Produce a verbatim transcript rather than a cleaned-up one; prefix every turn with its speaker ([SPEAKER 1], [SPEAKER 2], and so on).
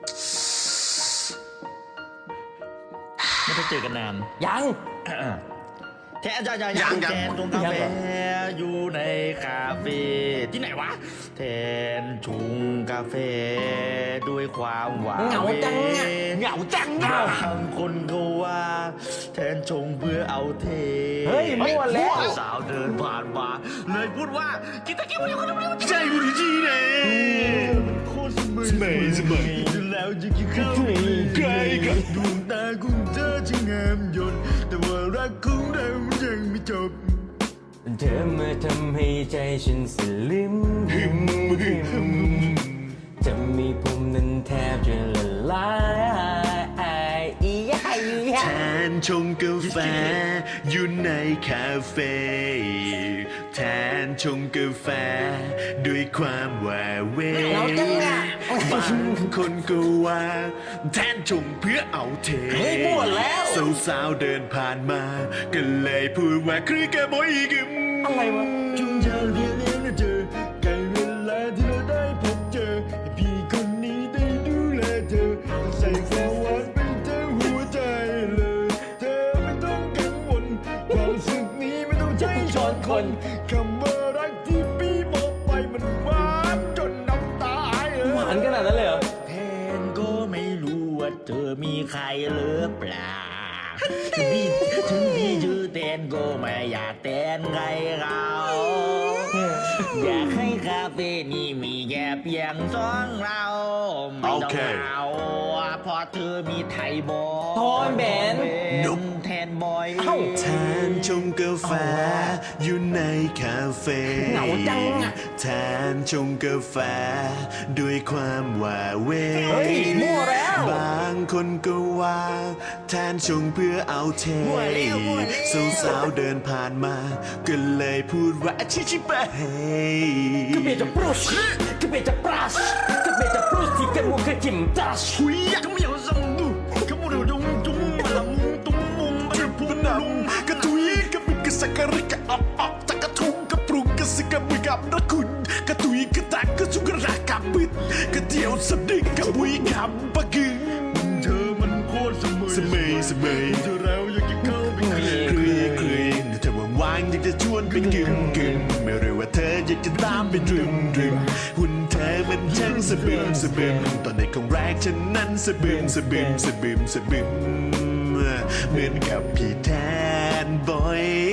[SPEAKER 1] ไม่ได้เจอกันนาน
[SPEAKER 2] ยัง
[SPEAKER 1] แทนจะจะยังแทนชงกาแฟอยู่ในคาเฟ่ที่ไหนวะแทนชงกาแฟด้วยความหวาน
[SPEAKER 2] เหงาจังอะเหงาจังอะ
[SPEAKER 1] บางคนก็ว่าแทนชงเพื่อเอาเท
[SPEAKER 2] เฮ้ยมั่วแล้ว
[SPEAKER 1] สาวเดินผ่านมาเลยพูดว่ากินตะกี้มันอยู่คนเดียวใจบุรีจีเน่มันโคตรสมัยสมัยแล้วจะกินข้าวใครกับดวงตาคุณเธอช่างงามยนต์แต่ว่ารักของเรามันยังไม่จบ
[SPEAKER 2] เธอมาทำให้ใจฉันสลิมหิมหิมจะมีผมนั้นแทบจะละลายอียาอียา
[SPEAKER 3] แทนชงกาแฟอยู่ในคาเฟ่แทนชงกาแฟด้วยความหวาเว
[SPEAKER 2] เหงาจังอะ
[SPEAKER 3] บางคนก็ว่าแทนชงเพื่อเอาเท
[SPEAKER 2] เฮ้ยมั่วแล้ว
[SPEAKER 3] สาวๆเดินผ่านมาก็เลยพูดว่าคือแกบอยกึม
[SPEAKER 2] อะไรวะ
[SPEAKER 1] จุงเจอเพียงเลี้ยงเจอใกล้เวลาที่เราได้พบเจอให้พี่คนนี้ได้ดูแลเธอใส่ความหวานเป็นเธอหัวใจเลยเธอไม่ต้องกังวลความรู้สึกนี้ไม่ต้องใช้ช้อนคนคำว่ารักที่พี่บอกไปมันหวานจนน้ำตาไหล
[SPEAKER 2] หวานขนาดนั้นเลยเหรอ
[SPEAKER 1] แทนก็ไม่รู้ว่าเธอมีใครหรือเปล่าถึงพี่ถึงพี่ชื่อแทนก็ไม่อยากแทนใครเขาอยากให้คาเฟ่นี้มีแค่เพียงสองเราไม่ต้องเอาเพราะเธอมีไทยบอย
[SPEAKER 2] โทนเบน
[SPEAKER 1] นุมแทนบอย
[SPEAKER 2] เอ้า
[SPEAKER 3] แทนชงกาแฟอยู่ในคาเฟ่
[SPEAKER 2] เหงาจังอะ
[SPEAKER 3] แทนชงกาแฟด้วยความหวาเว
[SPEAKER 2] เฮ้ยมั่วแล้ว
[SPEAKER 3] บางคนก็ว่าแทนชงเพื่อเอาเทสาวๆเดินผ่านมาก็เลยพูดว่าชิชิบะเฮ
[SPEAKER 2] Kebeja prus, kebeja pras, kebeja prus di kamu kecimtas.
[SPEAKER 1] หุยอยากไม่อยากสั่งดูขมุดดงจุ้งมาละมุงตุ้งมุงมาพูด
[SPEAKER 3] นำกระตุยกระมิกระสักกระริกระอับอับตะกระทุงกระปรุงกระสิกระบุยกับระคุณกระตุยกระตักกระสุกระรักกระปิดกระเดียวสำนึกกระบุยคำปะกึ่ง
[SPEAKER 1] เธอมันโคตรเสมอ
[SPEAKER 3] เสมยเสมย
[SPEAKER 1] เธอแล้วอยากจะเข้าไปเคลียร์
[SPEAKER 3] เคลียเคลียเธอว่างๆอยากจะชวนเป็นกึ่มกึ่มไม่รู้ว่าเธออยากจะตามไปดรึมดรึมหุ่นเธอมันช่างสะบึมสะบึมตอนในของแรกฉันนั้นสะบึมสะบึมสะบึมสะบึมเหมือนกับพี่แท